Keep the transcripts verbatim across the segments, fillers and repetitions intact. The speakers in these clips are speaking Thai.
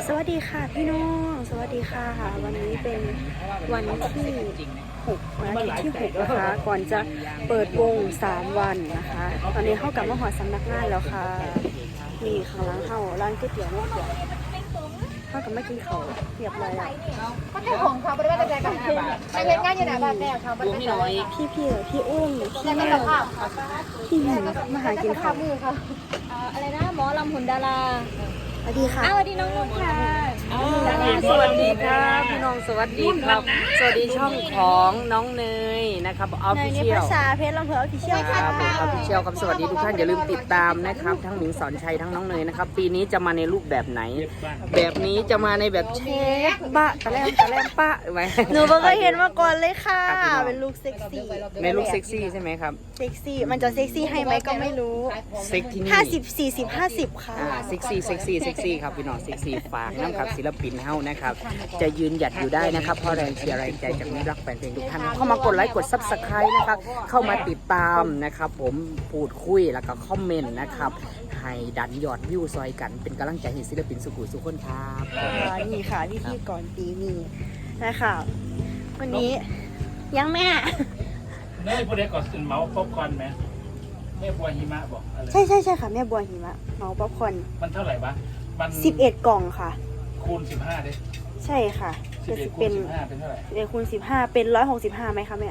สวัสดีค่ะพี่น้องสวัสดีค่ะวันนี้เป็นวันที่หกวันอาทิตย์ที่หกนะคะก่อนจะเปิดวงสามวันนะคะตอนนี้เข้ากับมหอสำนักงานแล้วค่ะมีข้างหลังเข้าร้านก๋วยเตี๋ยวไม่เกี่ยวเข้ากับไม่กินเขาเรียบร้อยแล้วก็ให้ของเขาบริวารใจกันไปเห็นงานอยู่ไหนบ้างแม่เขาบริวารใจพี่พี่พี่อุ้มพี่แม่พี่หญิงมาหากินข้าวมือค่ะอะไรนะหมอลำหุ่นดาราสวัสดีค่ะสวัสดีน้องนุ่นค่ะสวัสดีครับพี่น้องสวัสดีครับสวัสดีช่องของน้องเนยนะครับออฟฟิเชียลภาษาเพชรลำเพลินออฟฟิเชียลครับผมออฟฟิเชียลครับสวัสดีทุกท่านอย่าลืมติดตามนะครับทั้งหมิงสอนชัยทั้งน้องเนยนะครับปีนี้จะมาในรูปแบบไหนแบบนี้จะมาในแบบเชฟบะตะแลมตะแลมปะไว้หนูเพิ่งเคยเห็นมาก่อนเลยค่ะเป็นลุคเซ็กซี่ในลุคเซ็กซี่ใช่ไหมครับเซ็กซี่มันจะเซ็กซี่ให้ไหมก็ไม่รู้เซ็กที่นี่ห้าสิบสี่สิบห้าสิบค่ะเซ็กซี่เซ็กซี่เซ็กซี่ครับพี่น้องเซ็กซี่ฝากน้ำครับศิลปินเฮ้านะครับจะยืนหยัดอยู่ได้นะครับเพราะแรงเชียร์แรงใจจากมิตรรักแฟนเพลงทุกท่านเข้ามากดไลค์กดซับสไครต์นะครับเข้ามาติดตามนะครับผมพูดคุยแล้วก็คอมเมนต์นะครับให้ดันยอดวิวซอยกันเป็นกำลังใจให้ศิลปินสุขุสุขคนครับนี่ค่ะพี่พี่ก่อนปีนี้นะคะวันนี้ยังแม่เนยพวกเด็กก่อนสินเมาส์ป๊อปคอร์นไหมแม่บัวหิมะบอกอะไรใช่ใช่ใช่ค่ะแม่บัวหิมะเมาป๊อปคอร์นมันเท่าไหร่วะมันสิบเอ็ดกล่องค่ะคูณสิบห้าดิใช่ค่ะจะเป็นสิบห้าเป็นเท่าไหร่สิบเอ็ดคูณสิบห้าเป็นร้อยหกสิบห้าไหมคะแม่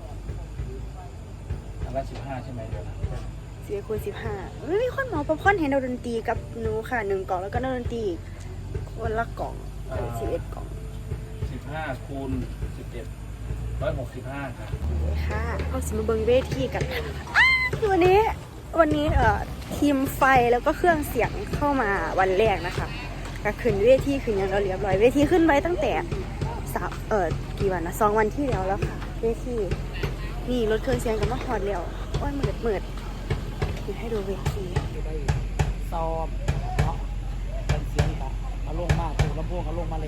อันละสิบห้าใช่ไหมเดี๋ยวนะสิบเอ็ดคูณสิบห้าไม่มีคนเมาป๊อปคอร์นเห็นดนตรีกับหนูค่ะหนึ่งกล่องแล้วก็ดนตรีคนละกล่องสิบเอ็ดกล่องสิบห้าคูณสิบเอ็ดร้อยหกสิบห้าค่ะค่ะเอาสิมาเบิ้งเวทีกันวันนี้วันนี้เอ่อทีมไฟแล้วก็เครื่องเสียงเข้ามาวันแรกนะคะก็ขึ้นเวทีขึ้นอย่างเราเรียบร้อยเวทีขึ้นไว้ตั้งแต่สามเอ่อกี่วันนะสองวันที่แล้วแล้วค่ะเวทีนี่รถเครื่องเสียงกับมาฮอดแล้วโอ้ยมืดมืดเดี๋ยวให้ดูเวทีซ้อมเนาะเป็นเสียงกับมาลงมาถูกลำโพงเขาลงมาเลย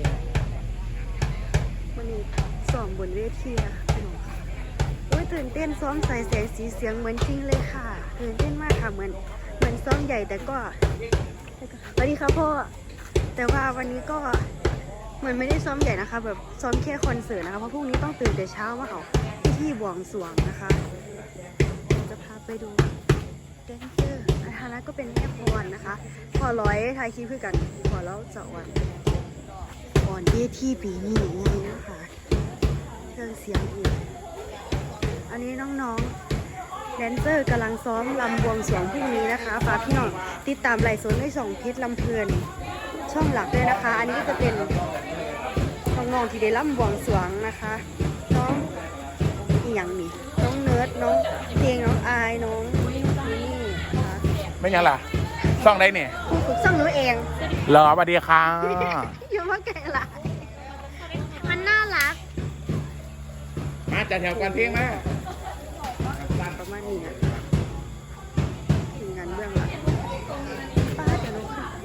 วันนี้ซ้อมบนเวทีนะพี่น้องค่ะโอ้ยตื่นเต้นซ้อมใส่แสงสีเสียงเหมือนจริงเลยค่ะตื่นเต้นมากค่ะเหมือนเหมือนซ้อมใหญ่แต่ก็สวัสดีค่ะพ่อแต่ว่าวันนี้ก็เหมือนไม่ได้ซ้อมใหญ่นะคะแบบซ้อมแค่คอนเสิร์ตนะคะเพราะพรุ่งนี้ต้องตื่นแต่เช้ามาเอาพิธีบวงสรวงนะคะจะพาไปดูแดนเซอร์นะคะแล้วก็เป็นแม่พรนะคะพอร้อยถ่ายคลิปคือกันพอแล้วจะวันก่อนเวทีปีนี้นี่นะคะเครื่องเสียงอีกอันนี้น้องๆแดนเซอร์กำลังซ้อมลำบวงสรวงพรุ่งนี้นะคะฝากพี่น้องติดตามไลฟ์สดในสองเพชรลำเพลินช่องหลักด้วยนะคะอันนี้ก็จะเป็นน้องๆที่ได้ลำบวงสรวงนะคะน้องอีหยังนี่น้องเนิร์ดน้องเพลงน้องอายน้องนี่นะคะไม่ยังล่ะซ่องได้เนี่ยฝึกซ่องหนูเองเหรอสวัสดีค่ะอยู่มาไกลละมันน่ารักมาจัดแถวกันเที่ยงมาประมาณนี้นะทีมงานเบื้องหลังป้าจะลงค่ะ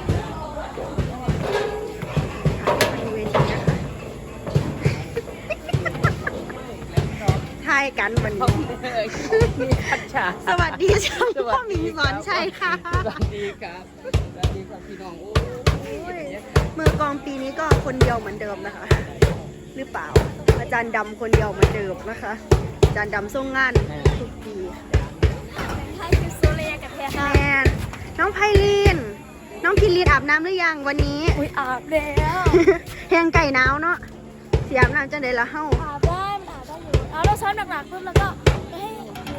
ดูเวทีนะคะทายกันวันนี้สวัสดีช่างพ่อหมิงสอนชัยค่ะสวัสดีครับสวัสดีครับพี่น้องโอ้ยมือกองปีนี้ก็คนเดียวเหมือนเดิมนะคะหรือเปล่าอาจารย์ดำคนเดียวเหมือนเดิมนะคะอาจารย์ดำส่งงานทุกปีแมนน้องไพลินน้องพิลินอาบน้ำหรือยังวันนี้อุ้ยอาบแล้วแหงไก่หนาวเนาะเสียอาบน้ำจังเลยละเฮ้าอาบได้มันอาบได้อยู่เอาเราซ้อนหนักๆปุ๊บแล้วก็ให้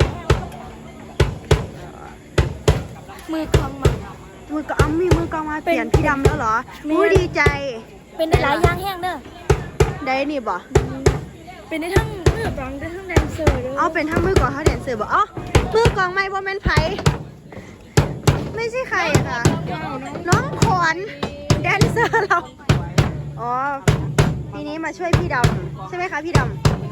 มือกองมามือกองมีมือกองมาเปลี่ยนพี่ดำแล้วเหรอมูดีใจเป็นได้หลายอย่างแห้งเด้อได้นี่บ่เป็นได้ทั้งมือกองได้ทั้งแดนเซอร์ด้วยเอาเป็นทั้งมือกองทั้งแดนเซอร์บ่อ๋อมือกองไม่บ่แม่นไผไม่ใช่ใครค่ะน้องขวัญแดนเซอร์เราอ๋อปีนี้มาช่วยพี่ดำใช่ไหมคะพี่ดำ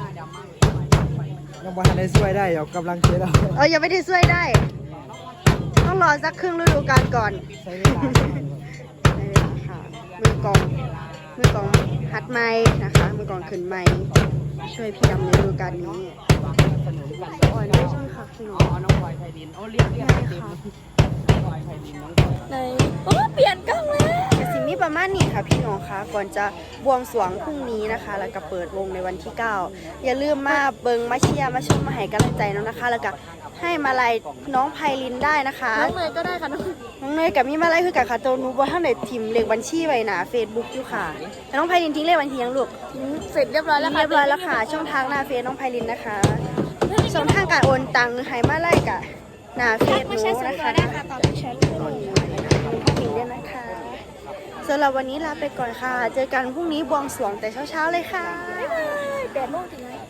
ยังไม่ทันได้ช่วยได้เดี๋ยวกำลังเช็ดเอาเออยังไม่ได้ช่วยได้ต้องรอสักครึ่งฤดูกาลก่อนใช่เวลาค่ะมือกองมือกองหัดไม้นะคะมือกองขึ้นไม้ช่วยพี่ดำในฤดูกาลนี้อ๋อน้องช่วยค่ะพี่น้องน้องบอยไพลินโอ้เรียกเรียกค่ะเลยโอ้เปลี่ยนกล้องเลยแต่สิ่งนี้ปประมาณนี้ค่ะพี่น้องคะก่อนจะบวงสรวงพรุ่งนี้นะคะ แล้วก็เปิดวงในวันที่เก้าอย่าลืมมาเบิงมาเชียร์มาชมมาให้กำลังใจน้องนะคะ แล้วก็ให้มาลัยน้องไพลินได้นะคะน้องเนยก็ได้ค่ะน้องน้องเนยกับมีมาลัยคือกับคาโตนูบอท่านไหนทิมเลขบัญชีไว้หนาเฟซบุ๊กอยู่ค่ะน้องไพลินทิ้งเลขบัญชียังลูกเสร็จเรียบร้อยแล้วค่ะเรียบร้อยแล้วค่ะช่องทางหน้าเฟซน้องไพลินนะคะช่องทางการโอนตังค์ให้มาลัยกับหน้าเฟซหนูนะคะตอนแชทก่อนทิ้งได้นะคะสำหรับวันนี้ลาไปก่อนค่ะเจอกันพรุ่งนี้บวงสรวงแต่เช้าๆเลยค่ะบ๊ายบายแปดโมงถึงไหน